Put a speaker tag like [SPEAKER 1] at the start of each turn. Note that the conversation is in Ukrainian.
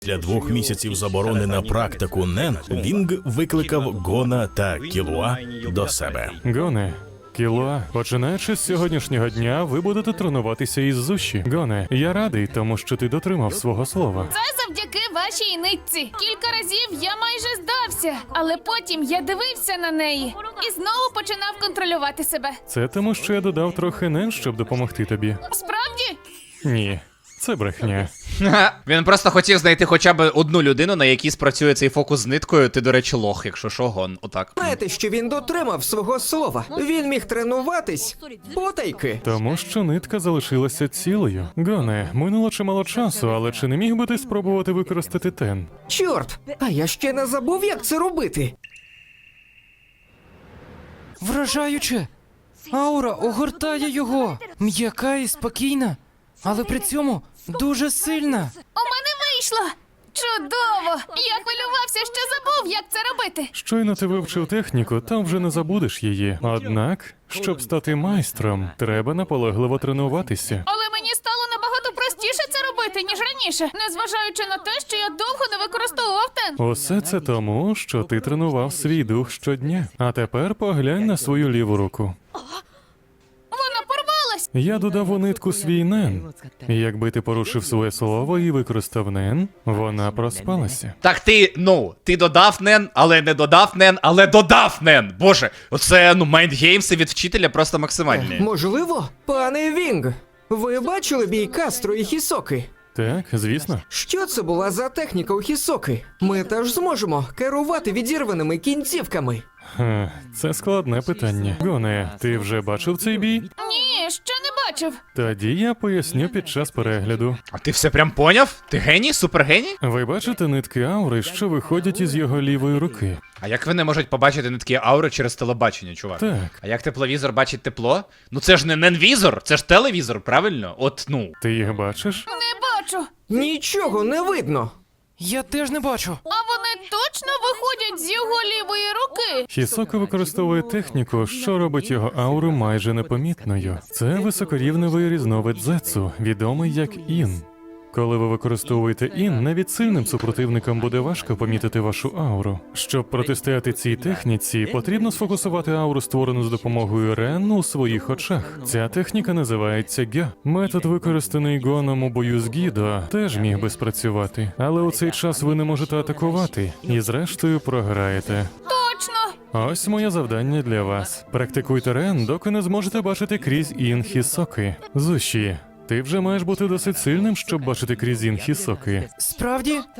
[SPEAKER 1] Після 2 місяців заборони на практику Нен, Вінг викликав Гона та Кілуа до себе.
[SPEAKER 2] Гоне, Кілуа, починаючи з сьогоднішнього дня, ви будете тренуватися із Зуші. Гоне, я радий, тому що ти дотримав свого слова.
[SPEAKER 3] Це завдяки вашій нитці. Кілька разів я майже здався, але потім я дивився на неї і знову починав контролювати себе.
[SPEAKER 2] Це тому, що я додав трохи Нен, щоб допомогти тобі.
[SPEAKER 3] Справді?
[SPEAKER 2] Ні, це брехня.
[SPEAKER 4] Він просто хотів знайти хоча б одну людину, на якій спрацює цей фокус з ниткою. Ти, до речі, лох, якщо що, Гон. Отак.
[SPEAKER 5] Знаєте, що він дотримав свого слова. Він міг тренуватись потайки.
[SPEAKER 2] Тому що нитка залишилася цілою. Гоне, минуло чимало часу, але чи не міг би ти спробувати використати тен?
[SPEAKER 5] Чорт, а я ще не забув, як це робити.
[SPEAKER 6] Вражаюче! Аура огортає його, м'яка і спокійна, але при цьому дуже сильна.
[SPEAKER 3] У мене вийшло! Чудово! Я хвилювався, що забув, як це робити.
[SPEAKER 2] Щойно ти вивчив техніку, там вже не забудеш її. Однак, щоб стати майстром, треба наполегливо тренуватися.
[SPEAKER 3] Але мені стало набагато простіше це робити, ніж раніше, незважаючи на те, що я довго не використовував тен.
[SPEAKER 2] Усе це тому, що ти тренував свій дух щодня. А тепер поглянь на свою ліву руку.
[SPEAKER 3] Вона порвалась!
[SPEAKER 2] Я додав у нитку свій нен. І якби ти порушив своє слово і використав нен, вона проспалася.
[SPEAKER 4] Так ти додав Нен, але не додав Нен, але додав Нен. Боже, оце, майндгеймси від вчителя просто максимальні.
[SPEAKER 5] Можливо, пане Вінг, ви бачили бій Кастро і Хісоки?
[SPEAKER 2] Так, звісно.
[SPEAKER 5] Що це була за техніка у Хісоки? Ми теж зможемо керувати відірваними кінцівками.
[SPEAKER 2] Це складне питання. Гоне, ти вже бачив цей бій?
[SPEAKER 3] Ні, ще не бачив.
[SPEAKER 2] Тоді я поясню під час перегляду.
[SPEAKER 4] А ти все прям поняв? Ти геній? Супергеній?
[SPEAKER 2] Ви бачите нитки аури, що виходять із його лівої руки?
[SPEAKER 4] А як вони можуть побачити нитки аури через телебачення, чувак?
[SPEAKER 2] Так.
[SPEAKER 4] А як тепловізор бачить тепло? Ну це ж не ненвізор, це ж телевізор, правильно?
[SPEAKER 2] Ти їх бачиш?
[SPEAKER 3] Не бачу.
[SPEAKER 5] Нічого не видно.
[SPEAKER 6] Я теж не бачу.
[SPEAKER 3] А вони точно виходять з його лівої руки.
[SPEAKER 2] Хісока використовує техніку, що робить його ауру майже непомітною. Це високорівневий різновид зетсу, відомий як ін. Коли ви використовуєте ін, навіть сильним супротивникам буде важко помітити вашу ауру. Щоб протистояти цій техніці, потрібно сфокусувати ауру, створену з допомогою Рен, у своїх очах. Ця техніка називається гьо. Метод, використаний Гоном у бою з Гідо, теж міг би спрацювати. Але у цей час ви не можете атакувати, і зрештою програєте.
[SPEAKER 3] Точно.
[SPEAKER 2] Ось моє завдання для вас. Практикуйте Рен, доки не зможете бачити крізь ін Хісоки. Зуші, ти вже маєш бути досить сильним, щоб бачити крізь ін Хісоки.
[SPEAKER 6] Справді?